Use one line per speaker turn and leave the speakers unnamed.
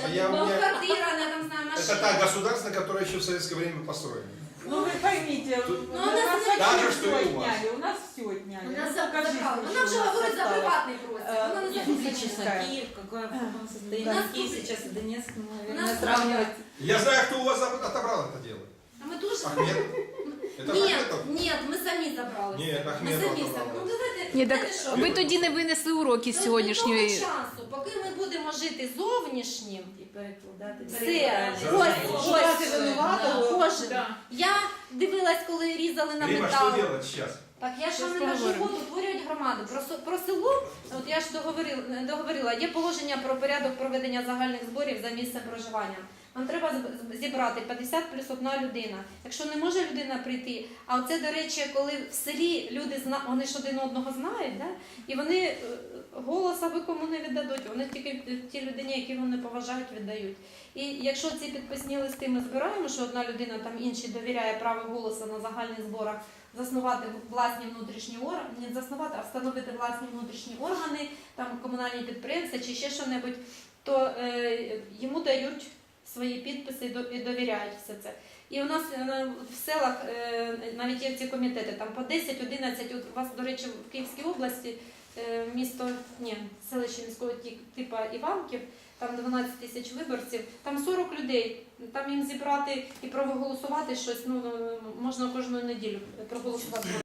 квартира, она там знаю,
Это
машина.
та государство, которое еще в советское время построено.
Ну вы поймите,
Тут-
у
Ну, у нас
нас
так же,
вообще
что
все
и у вас.
отняли, у нас все отняли.
У нас
Ну, покажите,
забрали.
что
Вона
у
вже
нас
говорить за
осталось.
приватний простір. Вона не за
физическая.
публічний.
Киев, какой в каком состоянии
У нас
Киев
тут-
сейчас и Донецк,
У
наверное,
нас
сравнивать.
Я знаю, кто у вас отобрал это дело.
А ми дуже...
Ахмед? Это
Ні,
Ахметов?
ні, ми самі забрали.
Ні,
Ми
Ахметов
самі
забрав.
Ну давайте,
Ні, так
знаєте що?
ви тоді не винесли уроки з
До
сьогоднішньої.
того часу, поки ми будемо жити зовнішнім,
И перекладати.
все, кожен. Я дивилась, коли різали на
Рима,
метал.
что делать сейчас?
Так я ж
Щас
вам не кажу,
поговоримо.
от утворюють громаду. Про село, от я ж договорила, є положення про порядок проведення загальних зборів за місцем проживання. Вам треба зібрати 50 плюс 1 людина. Якщо не може людина прийти, а це, до речі, коли в селі люди вони ж один одного знають, да? І вони голоса ви кому не віддадуть, вони тільки ті людині, які вони поважають, віддають. І якщо ці підписні листи ми збираємо, що одна людина там іншій довіряє право голосу на загальних зборах, заснувати власні внутрішні органи, не заснувати, а встановити власні внутрішні органи, там комунальні підприємства чи ще що-небудь, то йому дають свої підписи і довіряють все це. І у нас в селах навіть є ці комітети, там по 10-11, от у вас, до речі, в Київській області селище міського типу Іванків, там 12 тисяч виборців, там 40 людей, там їм зібрати і проголосувати щось, можна кожну неділю проголосувати.